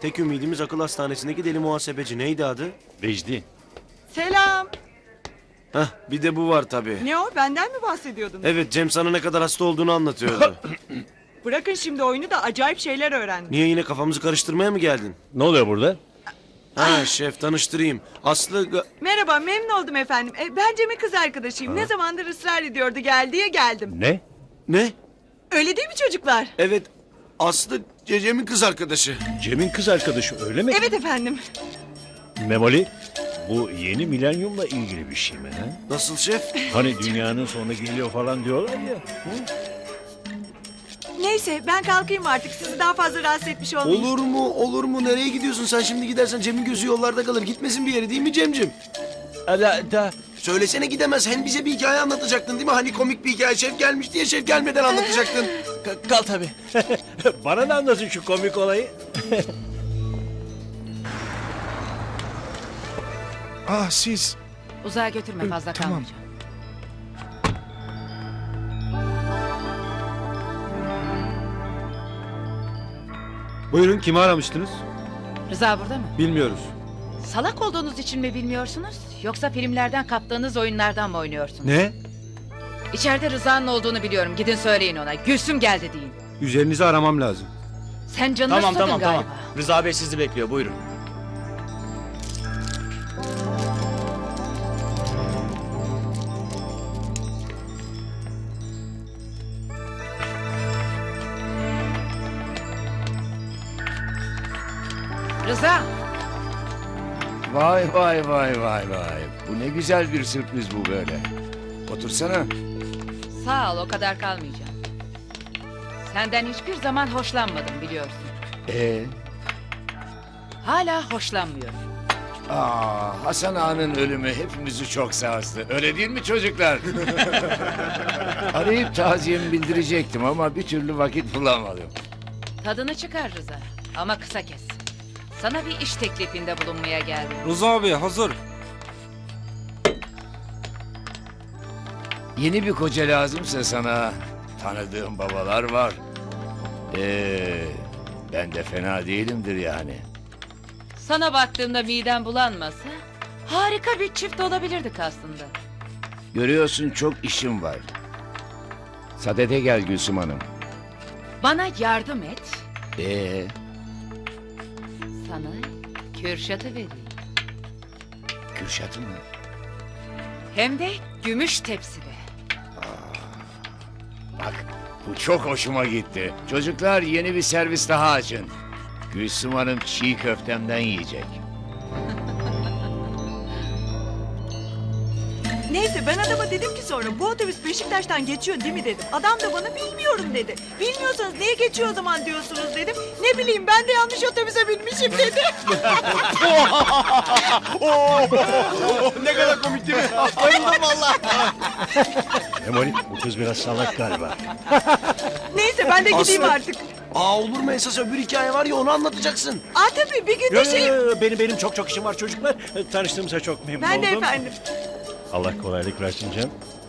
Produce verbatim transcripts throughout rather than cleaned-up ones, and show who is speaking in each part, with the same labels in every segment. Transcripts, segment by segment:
Speaker 1: Tek ümidimiz akıl hastanesindeki deli muhasebeci. Neydi adı?
Speaker 2: Vecdi.
Speaker 3: Selam.
Speaker 1: Hah, bir de bu var tabii.
Speaker 3: Ne o? Benden mi bahsediyordunuz?
Speaker 1: Evet, Cem sana ne kadar hasta olduğunu anlatıyordu.
Speaker 3: Bırakın şimdi oyunu da acayip şeyler öğrendim.
Speaker 1: Niye, yine kafamızı karıştırmaya mı geldin?
Speaker 2: Ne oluyor burada?
Speaker 1: Ha şef, tanıştırayım. Aslı... Ga-
Speaker 3: Merhaba, memnun oldum efendim. E, ben Cem'in kız arkadaşıyım. Ne zamandır ısrar ediyordu, gel diye geldim.
Speaker 2: Ne?
Speaker 1: Ne?
Speaker 3: Öyle değil mi çocuklar?
Speaker 1: Evet, Aslı Cem'in kız arkadaşı.
Speaker 2: Cem'in kız arkadaşı öyle mi?
Speaker 3: Evet efendim.
Speaker 2: Memoli, bu yeni milenyumla ilgili bir şey mi? Ha?
Speaker 1: Nasıl şef?
Speaker 2: Hani dünyanın sonu geliyor falan diyorlar ya. Hı?
Speaker 3: Neyse, ben kalkayım artık. Sizi daha fazla rahatsız etmiş olmayayım.
Speaker 1: Olur mu, olur mu? Nereye gidiyorsun sen? Şimdi gidersen Cem'in gözü yollarda kalır. Gitmesin bir yere, değil mi Cem'cim?
Speaker 2: Da, da.
Speaker 1: Söylesene, gidemez. Hem bize bir hikaye anlatacaktın değil mi? Hani komik bir hikaye. Şef gelmiş diye şef gelmeden anlatacaktın.
Speaker 2: Ka- Kal tabii. Bana da anlatın şu komik olayı.
Speaker 4: Ah siz.
Speaker 5: Uzağa götürme, fazla
Speaker 4: tamam.
Speaker 5: kalmayacağım.
Speaker 6: Buyurun, kimi aramıştınız?
Speaker 5: Rıza burada mı?
Speaker 6: Bilmiyoruz.
Speaker 5: Salak olduğunuz için mi bilmiyorsunuz? Yoksa filmlerden kaptığınız oyunlardan mı oynuyorsunuz?
Speaker 6: Ne?
Speaker 5: İçeride Rıza'nın olduğunu biliyorum. Gidin söyleyin ona. Gülsüm geldi deyin.
Speaker 6: Üzerinizi aramam lazım.
Speaker 5: Sen canını
Speaker 7: Tamam
Speaker 5: susadın
Speaker 7: tamam
Speaker 5: galiba.
Speaker 7: tamam. Rıza Bey sizi bekliyor, buyurun.
Speaker 5: Rıza!
Speaker 8: Vay vay vay vay vay. Bu ne güzel bir sürpriz bu böyle. Otursana.
Speaker 5: Sağ ol, o kadar kalmayacağım. Senden hiçbir zaman hoşlanmadım biliyorsun.
Speaker 8: Ee,
Speaker 5: Hala hoşlanmıyorum.
Speaker 8: aa, Hasan Ağa'nın ölümü hepimizi çok sarstı. Öyle değil mi çocuklar? Arayıp taziyemi bildirecektim ama bir türlü vakit bulamadım.
Speaker 5: Tadını çıkar Rıza. Ama kısa kes. Sana bir iş teklifinde bulunmaya geldim.
Speaker 6: Rıza abi hazır.
Speaker 8: Yeni bir koca lazımsa sana tanıdığım babalar var. Ee, ben de fena değilimdir yani.
Speaker 5: Sana baktığımda midem bulanmasa harika bir çift olabilirdik aslında.
Speaker 8: Görüyorsun çok işim var. Sadede gel Gülsüm Hanım.
Speaker 5: Bana yardım et,
Speaker 8: Ee,
Speaker 5: sana Kürşat'ı vereyim.
Speaker 8: Kürşat'ı mı?
Speaker 5: Hem de gümüş tepside.
Speaker 8: Bak bu çok hoşuma gitti. Çocuklar yeni bir servis daha açın. Gülsüm Hanım çiğ köftemden yiyecek.
Speaker 3: Neyse, ben adama dedim ki sonra, bu otobüs Beşiktaş'tan geçiyor değil mi dedim. Adam da bana bilmiyorum dedi. Bilmiyorsanız niye geçiyor o zaman diyorsunuz dedim. Ne bileyim, ben de yanlış otobüse binmişim dedi.
Speaker 1: Ne kadar komik değil mi?
Speaker 2: Memoli, bu kız biraz salak galiba.
Speaker 3: Neyse, ben de gideyim
Speaker 1: Aslı.
Speaker 3: artık.
Speaker 1: Aa, olur mu, esas öbür hikaye var ya, onu anlatacaksın.
Speaker 3: Aa tabii, bir gün de şey...
Speaker 2: Benim benim çok çok işim var çocuklar. Tanıştığımıza çok memnun
Speaker 3: Ben
Speaker 2: oldum.
Speaker 3: de efendim.
Speaker 2: Allah kolaylık versin Cem.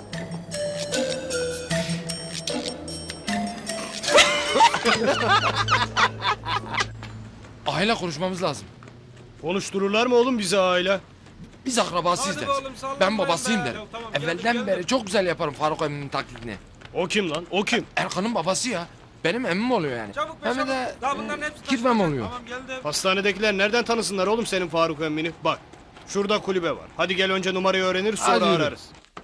Speaker 9: Aile konuşmamız lazım.
Speaker 6: Konuştururlar mı oğlum bizi aile?
Speaker 9: Biz akrabasıyız der. Ben babasıyım der. Evvelden beri çok güzel yaparım Faruk emminin taklidini.
Speaker 6: O kim lan? O kim?
Speaker 9: Erkan'ın babası ya. Benim emmim oluyor yani. Hem de e, kirvem oluyor.
Speaker 6: Hastanedekiler nereden tanısınlar oğlum senin Faruk emmini? Bak, şurada kulübe var. Hadi gel, önce numarayı öğreniriz, sonra
Speaker 9: Hadi yürü.
Speaker 6: ararız.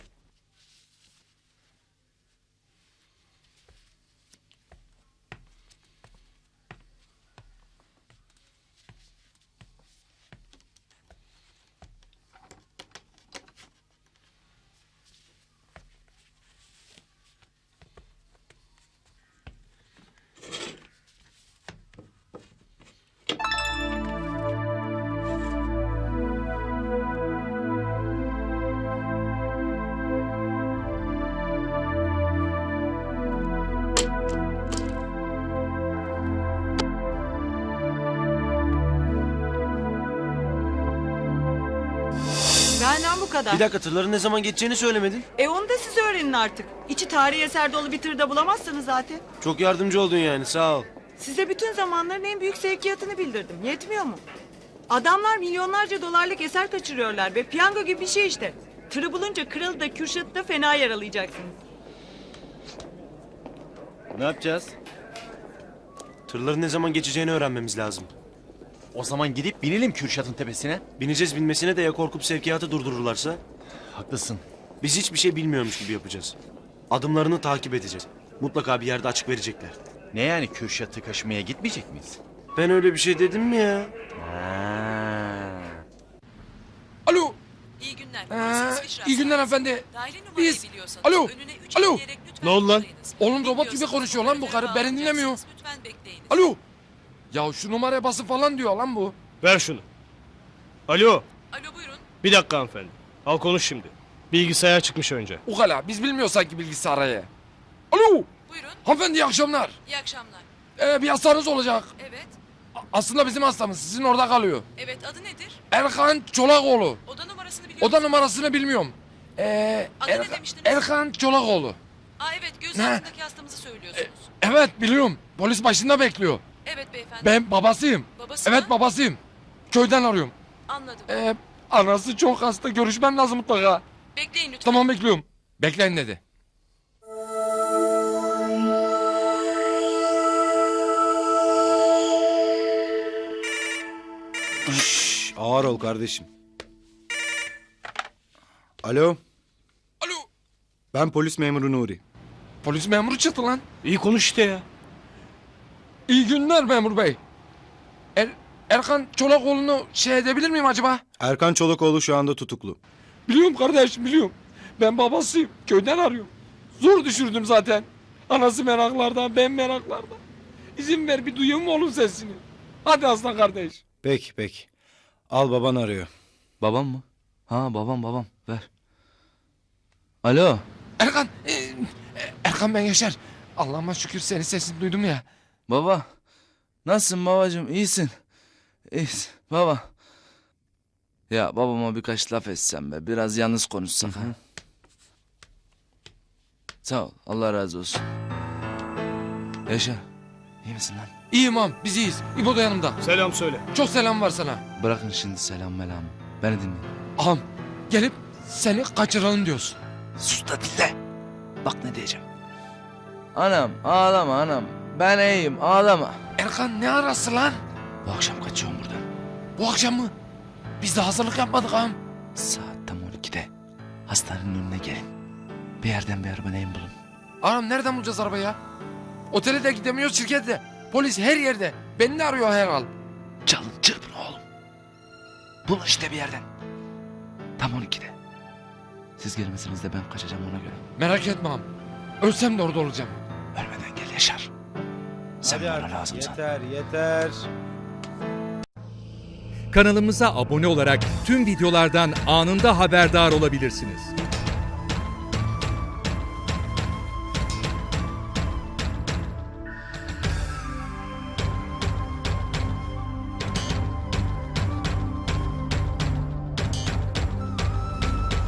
Speaker 3: Benden bu kadar.
Speaker 1: Bir dakika, tırların ne zaman geçeceğini söylemedin.
Speaker 3: E onu da siz öğrenin artık. İçi tarihi eser dolu bir tırda bulamazsınız zaten.
Speaker 1: Çok yardımcı oldun yani, sağ ol.
Speaker 3: Size bütün zamanların en büyük sevkiyatını bildirdim. Yetmiyor mu? Adamlar milyonlarca dolarlık eser kaçırıyorlar ve piyango gibi bir şey işte. Tırı bulunca Kralı da Kürşat'ı da fena yaralayacaksınız.
Speaker 2: Ne yapacağız?
Speaker 1: Tırların ne zaman geçeceğini öğrenmemiz lazım.
Speaker 7: O zaman gidip binelim Kürşat'ın tepesine.
Speaker 1: Bineceğiz binmesine de ya korkup sevkiyatı durdururlarsa?
Speaker 7: Haklısın.
Speaker 1: Biz hiçbir şey bilmiyormuş gibi yapacağız. Adımlarını takip edeceğiz. Mutlaka bir yerde açık verecekler.
Speaker 7: Ne yani Kürşat'ı kaşımaya gitmeyecek miyiz?
Speaker 1: Ben öyle bir şey dedim mi ya?
Speaker 9: Alo.
Speaker 10: İyi günler.
Speaker 9: Ee,
Speaker 10: Siz Fişra
Speaker 9: iyi günler
Speaker 10: Saat.
Speaker 9: efendi.
Speaker 10: Daire numarayı
Speaker 9: Biz-
Speaker 10: biliyorsanız
Speaker 9: Alo,
Speaker 10: önüne üç
Speaker 9: alo.
Speaker 10: ekleyerek lütfen
Speaker 6: Ne oldu lan?
Speaker 10: tıklayınız.
Speaker 9: Oğlum robot gibi
Speaker 10: Bilmiyorsanız
Speaker 9: konuşuyor lan bu karı.
Speaker 10: operatörü
Speaker 9: Beni dinlemiyor.
Speaker 10: bağlayacaksınız. Lütfen bekleyiniz.
Speaker 9: Alo. Ya şu numaraya basın falan diyor lan bu.
Speaker 6: Ver şunu. Alo.
Speaker 10: Alo buyurun.
Speaker 6: Bir dakika hanımefendi. Al konuş şimdi. Bilgisayar çıkmış önce.
Speaker 9: Ukala biz bilmiyoruz sanki bilgisayarı. Alo.
Speaker 10: Buyurun.
Speaker 9: Hanımefendi iyi akşamlar.
Speaker 10: İyi akşamlar.
Speaker 9: Ee, bir hastanız olacak.
Speaker 10: Evet.
Speaker 9: A- Aslında bizim hastamız sizin orada kalıyor.
Speaker 10: Evet adı nedir?
Speaker 9: Erkan Çolakoğlu.
Speaker 10: Oda numarasını biliyor
Speaker 9: Oda
Speaker 10: musunuz?
Speaker 9: numarasını bilmiyorum. Ee,
Speaker 10: Adı ne
Speaker 9: Erka-
Speaker 10: demiştiniz?
Speaker 9: Erkan Çolakoğlu.
Speaker 10: Aa evet göz
Speaker 9: Ne?
Speaker 10: altındaki hastamızı söylüyorsunuz.
Speaker 9: Evet biliyorum. Polis başında bekliyor.
Speaker 10: Evet beyefendi.
Speaker 9: Ben babasıyım.
Speaker 10: Babası
Speaker 9: Evet
Speaker 10: mı?
Speaker 9: babasıyım. Köyden arıyorum.
Speaker 10: Anladım.
Speaker 9: Ee, anası çok hasta. Görüşmem lazım mutlaka.
Speaker 10: Bekleyin lütfen.
Speaker 9: Tamam bekliyorum. Bekleyin dedi.
Speaker 4: Şşş, ağır ol kardeşim. Alo,
Speaker 9: Alo.
Speaker 4: ben polis memuru Nuri.
Speaker 9: Polis memuru çıktı lan.
Speaker 6: İyi konuş işte ya.
Speaker 9: İyi günler memur bey. Er, Erkan Çolakoğlu'nu şey edebilir miyim acaba?
Speaker 4: Erkan Çolakoğlu şu anda tutuklu.
Speaker 9: Biliyorum kardeşim biliyorum. Ben babasıyım. Köyden arıyorum. Zor düşürdüm zaten. Anası meraklarda, ben meraklarda. İzin ver bir duyayım mı oğlum sesini? Hadi aslan kardeş.
Speaker 4: Peki peki. Al baban arıyor.
Speaker 7: Babam mı? Ha babam babam ver. Alo.
Speaker 9: Erkan, e, e, Erkan ben Yaşar. Allah'ıma şükür senin sesini duydum ya.
Speaker 7: Baba. Nasılsın babacığım iyisin? İyisin baba. Ya babama birkaç laf etsem be. Biraz yalnız konuşsak ha. Sağ ol Allah razı olsun. Yaşar. İyi misin lan?
Speaker 9: İyiyim ağam, biz iyiyiz. İbo da yanımda.
Speaker 6: Selam söyle.
Speaker 9: Çok selam var sana.
Speaker 7: Bırakın şimdi selam melamı. Beni dinle.
Speaker 9: Ağam, gelip seni kaçıralım diyorsun.
Speaker 7: Sus da dinle. Bak ne diyeceğim. Anam ağlama anam. Ben iyiyim ağlama.
Speaker 9: Erkan ne arası lan?
Speaker 7: Bu akşam kaçıyorum buradan.
Speaker 9: Bu akşam mı? Biz de hazırlık yapmadık ağam.
Speaker 7: Saat tam on ikide. Hastanenin önüne gelin. Bir yerden bir araba neyin bulun.
Speaker 9: Ağam nereden bulacağız arabayı ya? Otele de gidemiyoruz, şirkette de. Polis her yerde. Beni de arıyor her an.
Speaker 7: Çalın çırpın oğlum. Bulun işte bir yerden. Tam on ikide. Siz gelmesiniz de ben kaçacağım ona göre.
Speaker 9: Merak etme ağam. Ölsem de orada olacağım.
Speaker 7: Ölmeden gel Yaşar. Sen bana lazımsın.
Speaker 4: yeter yeter.
Speaker 11: Kanalımıza abone olarak tüm videolardan anında haberdar olabilirsiniz.